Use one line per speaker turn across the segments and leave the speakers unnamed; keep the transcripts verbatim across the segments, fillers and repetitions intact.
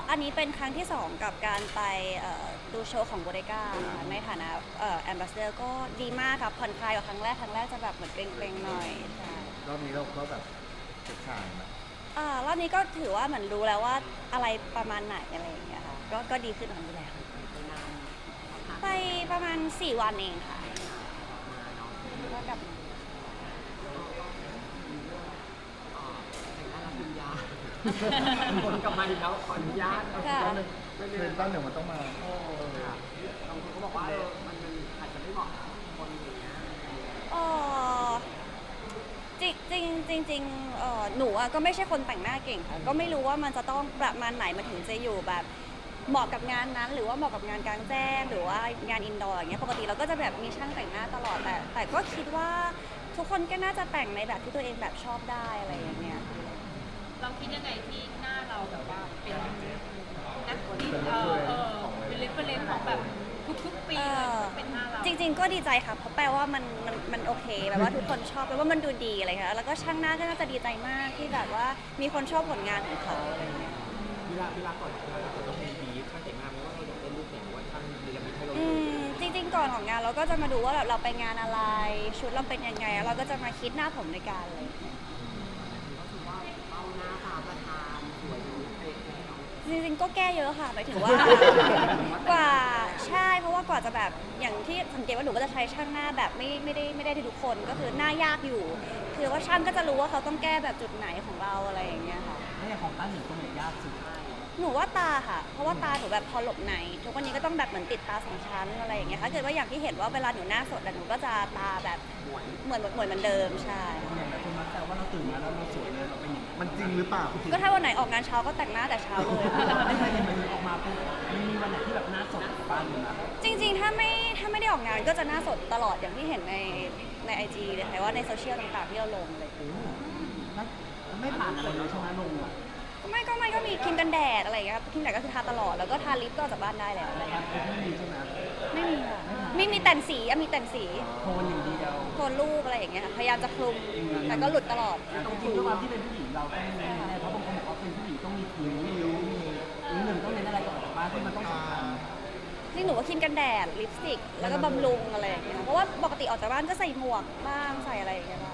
อันนี้เป็นครั้งที่สองกับการไปดูโชว์ของโบเดก้าในฐานะแอมบาสเดอร์ก็ดีมากครับผ่อนคลายกว่าครั้งแรกครั้งแรกจะแบบเหมือนเกรงๆหน่อยใช่
รอบนี้เราก็แบบเฉยชายนะ
อ่ารอบนี้ก็ถือว่าเหมือนรู้แล้วว่าอะไรประมาณไหนอะไรอย่างเงี้ยค่ะก็ก็ดีขึ้นกว่านี้แล้วไปประมาณสี่วันเองค่ะก็กลับมา
คนกลับมาอีกแล้วขออนุญาต
ค่ะ
เทรนต้นเดี๋ยวมันต้องมา
โอ้ค่ะบางคนก็บอกว่าเออมันอาจจะไม่เหมาะกับคนอย่างเงี้ย
อ๋อจริงจริงจริงจริงเอ่อหนูอะก็ไม่ใช่คนแต่งหน้าเก่งค่ะก็ไม่รู้ว่ามันจะต้องประมาณไหนมันถึงจะอยู่แบบเหมาะกับงานนั้นหรือว่าเหมาะกับงานกลางแจ้งหรือว่างานอินดอร์อย่างเงี้ยปกติเราก็จะแบบมีช่างแต่งหน้าตลอดแต่แต่ก็คิดว่าทุกคนก็น่าจะแต่งในแบบที่ตัวเองแบบชอบได้อะไรอย่างเงี้ย
เราคิดยังไงที่หน้าเราแบบว่าเป็นนักดิเออเออเป็นเรฟเฟรนซ์ของแบบทุกๆปีเป็นหน้าเรา
จริงๆก็ดีใจค่ะเพราะแปลว่ามันมันมันโอเคแบบว่าทุกคนชอบแปลว่ามันดูดีอะไรค่ะแล้วก็ช่างหน้าก็น่าจะดีใจมากที่แบบว่ามีคนชอบผลงานของเขาอะไรเงี้ย
เวลาเวลาก่อนเวลาเราต้องมีบีฟช่างแต่งหน้าไหมว่าเราอยากได้รูปไหนว่าช่างดีละมิให้เรา
อืมจริงๆก่อนของงานเราก็จะมาดูว่าแบบเราไปงานอะไรชุดเราเป็นยังไงเราก็จะมาคิดหน้าผมในการเลย
ก็คือว่าเบ้าหน้าตาประธานสวยดูเป๊ะแล้ว
จริงๆก็แก้เยอะค่ะหมายถึงว่ากว่าใช่เพราะว่ากว่าจะแบบอย่างที่สังเกตว่าหนูก็จะใช้ช่างหน้าแบบไม่ไม่ได้ไม่ได้ทุกคนก็คือหน้ายากอยู่คือว่าช่างก็จะรู้ว่าเขาต้องแก้แบบจุดไหนของเราอะไรอย่างเงี้ยค่ะ
แล้วอย่างของต้านหนึ่งตรงไหนยากสุด
หนูว่าตาค่ะเพราะว่าตาหนูแบบพอหลบในทุกวันนี้ก็ต้องแบบเหมือนติดตาสองชั้นอะไรอย่างเงี้ยถ้าเกิดว่าอย่างที่เห็นว่าเวลาหนูหน้าสดหนูก็จะตาแบบเหมือนเหมือนเหมือนเดิมใช่
อย่างไรคนมักแต่ว่าเราตื่นมาแล้วเราสวยเลยเราเป็นอย่าง
มันจริงหรือเปล่า
ก็ถ้าวันไหนออกงานเช้าก็แต่งหน้าแต่เช้าเลย
ไม่เคยเห็นมันออกมาปุ๊บมันมีวันไหนที่แบบหน้าสดบ้างอยู่นะ
จริงๆถ้าไม่ถ้าไม่ได้ออกงานก็จะหน้าสดตลอดอย่างที่เห็นในในไอจีเลยค่ะว่าในโซเชียลต่างๆที่เราลงเลย
ไม่ผ่านอะไรเลยใช่ไหมลงอ่ะ
ก็ไม่ก็ไม่ก็มีครีมกันแดดอะไรอย่างเงี้ยครีมแดดก็คือทาตลอดแล้วก็ทาลิปก็ออกจากบ้านได้แล้วอะไร
ครับไม่มีใช่ไหม
ไม่มีค่ะไม่มีแต่งสีอะมีแต่งสี
โทนอย่างเดียว
โทนรูปอะไรอย่างเงี้ยพยายามจะคลุมแต่ก็หลุดตลอด
จริงๆด้วยความที่เป็นผู้หญิงเราต้องมีแน่เพราะบางคนบอกว่าเป็นผู้หญิงต้องมีคิ้วมีริ้วมีหนึ่งต้องเน้นอะไรก่อนออกบ้านที่มันต้องสำคัญ
นี่หนูว่าครีมกันแดดลิปสติกแล้วก็บำรุงอะไรอย่างเงี้ยเพราะว่าปกติออกจากบ้านก็ใส่หมวกบ้างใส่อะไรอย่างเงี้ยบ้าง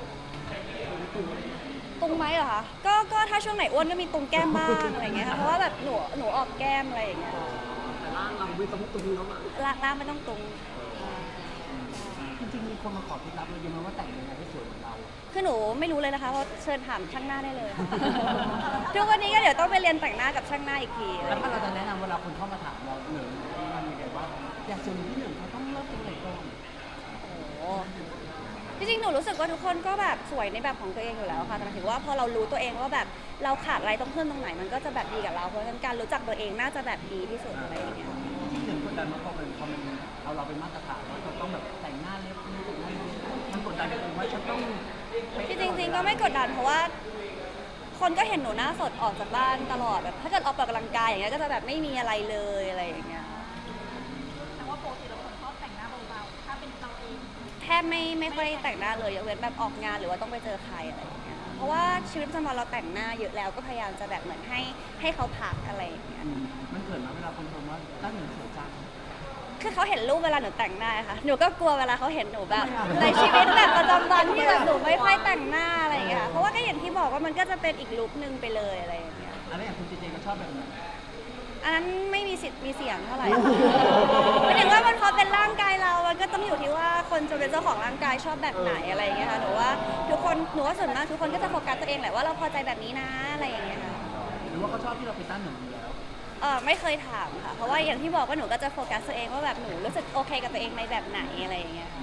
ตุงไหมเหรอคะก็ก็ถ้าช่วงไหนอ้วนก็มีตุงแก้มบ้างอะไรอย่างเงี้ยค่ะเพราะว่าแบบหนูหนูออกแก้มอะไรอย่างเงี้ย
แต่ร่างเราไม่ต้องตุงแล้วอ่ะ
ล่างล่างไม่ต้องตุง
จริงๆมีคนมาขอเคล็ดลับเราเยอะมากว่าแต่งยังไงให้สวยเหมือนเรา
คือหนูไม่รู้เลยนะคะเพราะเชิญถามช่างหน้าได้เลยทุกวันนี้ก็เดี๋ยวต้องไปเรียนแต่งหน้ากับช่างหน้าอีกที
แล้วถ้าเราจะแนะนำเวลาคนเข้ามาถามเราหนึ่งมันยังไงว่าอยากสวยที่หนึ่งเขาต้องเริ่มตรงไหนก่อน
โอ้จริงๆหนูรู้สึกว่าทุกคนก็แบบสวยในแบบของตัวเองอยู่แล้วค่ะแต่หมายถึงว่าพอเรารู้ตัวเองว่าแบบเราขาดอะไรต้องเพิ่มตรงไหนมันก็จะแบบดีกับเราเพราะฉะนั้นการรู้จักตัวเองน่าจะแบบดีที่สุดอะไรอย่างเงี้ย
ที่หนึ่งกดดันมาพอมันพอมันเอาเราเป็นมาตรฐานว่าเราต้องแบบแต่งหน้าเล็บนี่แต่งหน้าเล็บมันกดดันกันว่าฉันต้อง
ที่จริงๆก็ไม่กดดันเพราะว่าคนก็เห็นหนูหน้าสดออกจากบ้านตลอดแบบถ้าเกิดออกกำลังกายอย่างเงี้ยก็จะแบบไม่มีอะไรเลยอะไรอย่างเงี้ย
แต่ว่าปกติเราคนชอบแต่งหน้าเบาๆถ้าเป็นเราเอง
แทบไม่ไม่ค่อยแต่งหน้าเลยยกเว้นแบบออกงานหรือว่าต้องไปเจอใครอะไรอย่างเงี้ยเพราะว่าชีวิตประจำวันเราแต่งหน้าเยอะแล้วก็พยายามจะแบบเหมือนให้ให้เขาพักอะไรอย่างเงี้ย
มันเกิดมาเวลาคนชมว่าตั้งหนึ่งสวยจัง
คือเขาเห็นรูปเวลาหนูแต่งหน้าค่ะหนูก็กลัวเวลาเขาเห็นหนูแบบในชีวิตแบบประจำวันที่แบบหนูไม่ค่อยแต่งหน้าอะไรอย่างเงี้ยเพราะว่าก็อย่างที่บอกว่ามันก็จะเป็นอีกลุคนึงไปเลยอะไรอย่างเงี้ย
อะไรอย่างคุณเจเจก็ชอบแบบไหน
อันนั้นไม่มีสิทธิ์มีเสียงเท่าไหร่หมายถึงว่ามันพอเป็นร่างกายเรามันก็ต้องอยู่ที่ว่าคนจะเป็นเจ้าของร่างกายชอบแบบไหนอะไรอย่างเงี้ยค่ะหนูว่าทุกคนหนูว่าส่วนมากทุกคนก็จะโฟกัสตัวเองแหละว่าเราพอใจแบบนี้นะอะไรอย่างเงี้ยค่ะ
หรือว่าเขาชอบที่เราไปตั้งหนึ่งอยู่แล้ว
เออไม่เคยถามค่ะเพราะว่าอย่างที่บอกว่าหนูก็จะโฟกัสตัวเองว่าแบบหนูรู้สึกโอเคกับตัวเองในแบบไหนอะไรอย่างเงี้ยค่ะ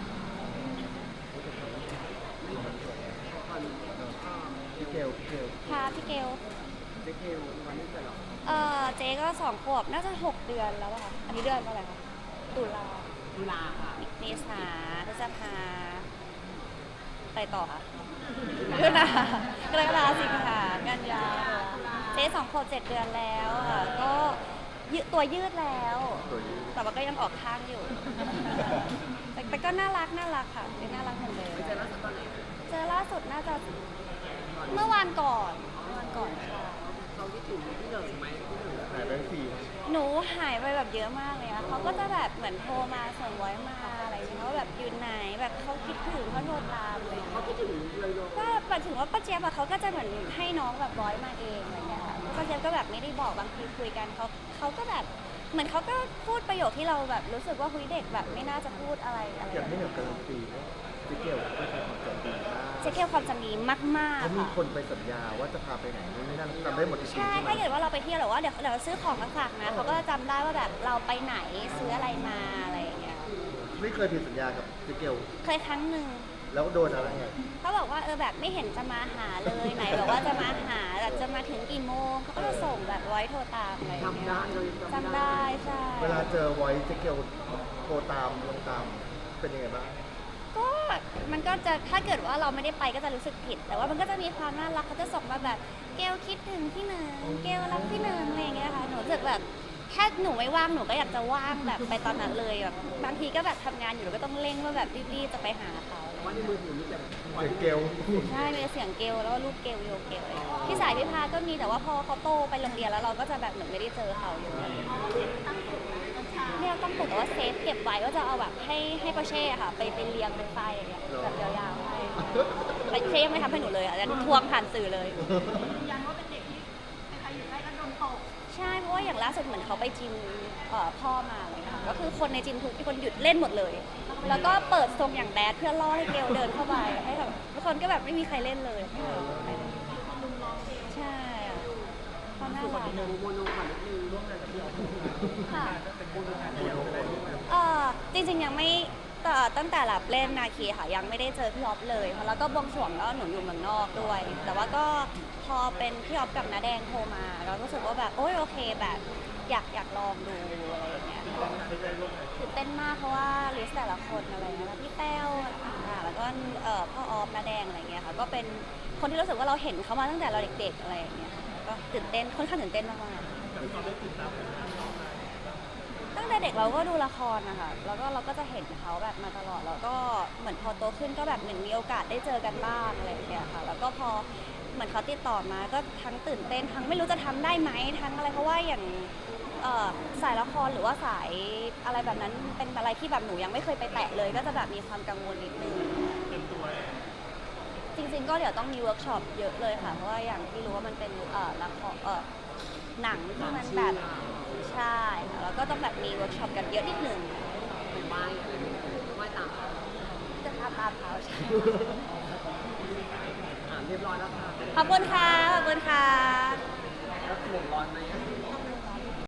พี่เกลพี่เกล
ค่ะพี่เกล
เจ๊เกลวันนี้เกิดหรอ
เออเจ๊ก็สองขวบน่าจะหกเดือนแล้วค่ะอันนี้เดือนอะไรคะตุลา
ตุลาค่ะ
เมษาพฤษภาไปต่อค่ะเดือนหน้ากรกฎาคมสิงหากันยาเจ๊สองขวบเจ็ดเดือนแล้วค่ะก็ยืดตัวยืดแล้วแต่ว่าก็ยังออกข้างอยู่แต่แต่ก็น่ารักน่ารักค่ะยังน่ารักเหมือนเดิม
เจอล่าสุดตอนไหน
เจอล่าสุดน่าจะเมื่อวานก่อนเมื่อวานก่อนค่ะ
เขาคิดถึงที่หนึ่งไหมที่หนึ่ง
สี่
หนูหายไปแบบเยอะมากเลยอะเขาก็จะแบบเหมือนโทรมาส่งไว้มาอะไรอย่างเงี้ยว่าแบบอยู่ไหนแบบเขาคิดถึงเขาโทรตามอะไรอย่างเลย
เขาคิดถึงเลยโย
ก็หมายถึงว่าป้าเจี๊ยบอะเขาก็จะเหมือนให้น้องแบบร้อยมาเองอะไรเงี้ยค่ะป้าเจี๊ยบก็แบบไม่ได้บอกบางทีคุยกันเขาเขาก็แบบเหมือนเขาก็พูดประโยคที่เราแบบรู้สึกว่าคุยเด็กแบบไม่น่าจะพูดอะไรอะไร
อยากให้เหนือการันตีว่าเจ๊เกลไม่เคยความจำดีมาก
เจ๊เกียวความจำดีมาก
เขา
ๆ
มี
ค่ะ
คนไปสัญญาว่าจะพาไปไหนนู่นนี่นั่นจำได้หมดทุกสิ่ง
ใช่
ใช่ไหม
ถ้าเกิดว่าเราไปเที่ยวหรือว่าเดี๋ยวเดี๋ยวซื้อของมาฝากนะเขาก็จะจำได้ว่าแบบเราไปไหนซื้ออะไรมาอะไรอย่างเงี้ย
ไม่เคยผิดสัญญากับเจ๊เกล
เคยครั้งหนึ่ง
แล้วโดนอะไรอ่ะ
เขาบอกว่าเออแบบไม่เห็นจะมาหาเลยไหนบอกว่าจะมาหาแบบจะมาถึงกี่โมงเขาก็จะส่งแบบไว้โทรตามอะไรอย่างเงี้ย
จำได้เลย
จำได้ใช่
เวลาเจอไว้เจ๊เกลโทรตามลงตามเป็นยังไงบ้าง
ก็มันก็จะถ้าเกิดว่าเราไม่ได้ไปก็จะรู้สึกผิด แต่ว่ามันก็จะมีความน่ารักเขาจะส่งมาแบบเกลคิดถึงพี่หนึ่งเกลรักพี่หนึ่งอะไรอย่างเงี้ยค่ะหนูรู้สึกแบบแค่หนูไม่ว่างหนูก็อยากจะว่างแบบไปตอนนั้นเลยแบบบางทีก็แบบทำงานอยู่แล้วก็ต้องเร่งว่าแบบรีบๆจะไปหาเขา
ว่าในมือถือมีแต่
เจ๊เกล
ใช่มีแต่เสียงเกลแล้วก็รูปเกลโยเกลเลยพี่สายพี่พาก็มีแต่ว่าพอเขาโตไปโรงเรียนแล้วเราก็จะแบบเหมือนไม่ได้เจอเขาอยู่เนี่ยต้องปลูกแต่ว่าเซฟเก็บไว้ก็จะเอาแบบให้ให้ปอเช่ค่ะไปไปเรียงเป็นไฟอย่างเงี้ยแบบยาวๆให้แต่เช่ยังไม่ทำให้หนูเลยอ่ะจะทวงผ่านสื่อเลย
ยืนยันว่าเป็นเด็กที่ใครๆอยู่ใกล้ก็โดนตก
ใช่เพราะว่าอย่างล่าสุดเหมือนเขาไปจิมเอ่อพ่อมาเลยค่ะก็คือคนในจิมทุกคนหยุดเล่นหมดเลย แล้วก็เปิดทรงอย่างแบดเพื่อล่อให้เกลเดินเข้าไปให้แบบทุกคนก็แบบไม่มีใครเล่นเลยไม่มีใครเล่นใช่อะเขาน่ารัก
โมโมโนก่อนนิดนึงร่วมงานกับพี่ออฟ
ค่ะ
เป็นโมโนงานเดียวเลย
เอ่อจริงๆยังไม่แต่ตั้งแต่รับเล่นนาคีค่ะยังไม่ได้เจอพี่ออฟเลยแล้วก็บวงสรวงแล้วหนูอยู่เมืองนอกด้วย แต่ว่าก็พอเป็นพี่ออฟกับน้าแดงโทรมาเราก็รู้สึกว่าแบบโอ๊ยโอเคแบบอยากอยากลองดูอะไรอย่างเงี้ยตื่นเต้นมากเพราะว่าลิสต์แต่ละคนอะไรเงี้ยพี่แต้วอ่าแล้วก็เอ่อพ่อออฟน้าแดงอะไรเงี้ยค่ะก็เป็นคนที่รู้สึกว่าเราเห็นเขามาตั้งแต่เราเด็กๆอะไรอย่างเงี้ยค่ะก็ตื่นเต้นค่อนข้างตื่นเต้นมากๆ ตั้งแต่เด็กเราก็ดูละครนะคะแล้วก็เราก็จะเห็นเขาแบบมาตลอด แล้วก็เหมือนพอโตขึ้นก็แบบเหมือนมีโอกาสได้เจอกันบ้างอะไรอย่างเงี้ยค่ะ แล้วก็พอเหมือนเขาติดต่อมาก็ทั้งตื่นเต้นทั้งไม่รู้จะทำได้ไหมทั้งอะไรเพราะว่าอย่างเอ่อสายละครหรือว่าสายอะไรแบบนั้นเป็นอะไรที่แบบหนูยังไม่เคยไปแตะเลย ก็จะแบบมีความกังวลนิดนึงจริงๆก็เดี๋ยวต้องมีเวิร์กช็อปเยอะเลยค่ะ เพราะว่าอย่างที่รู้ว่ามันเป็นเอ่อละครเอ่อหนังที่มันแบบใช่ค่ะแล้วก็ต้องแบบมีเวิร์กช็อปกันเยอะนิดนึง
เป็นไหว้ไหว้ตามเขา
จะทำตามเขาใช่
อ่าเรียบร้อยแล้วค่ะ
ขอบคุณค่ะ ขอบคุณค่ะ
แล้วห่วงร้อนไหม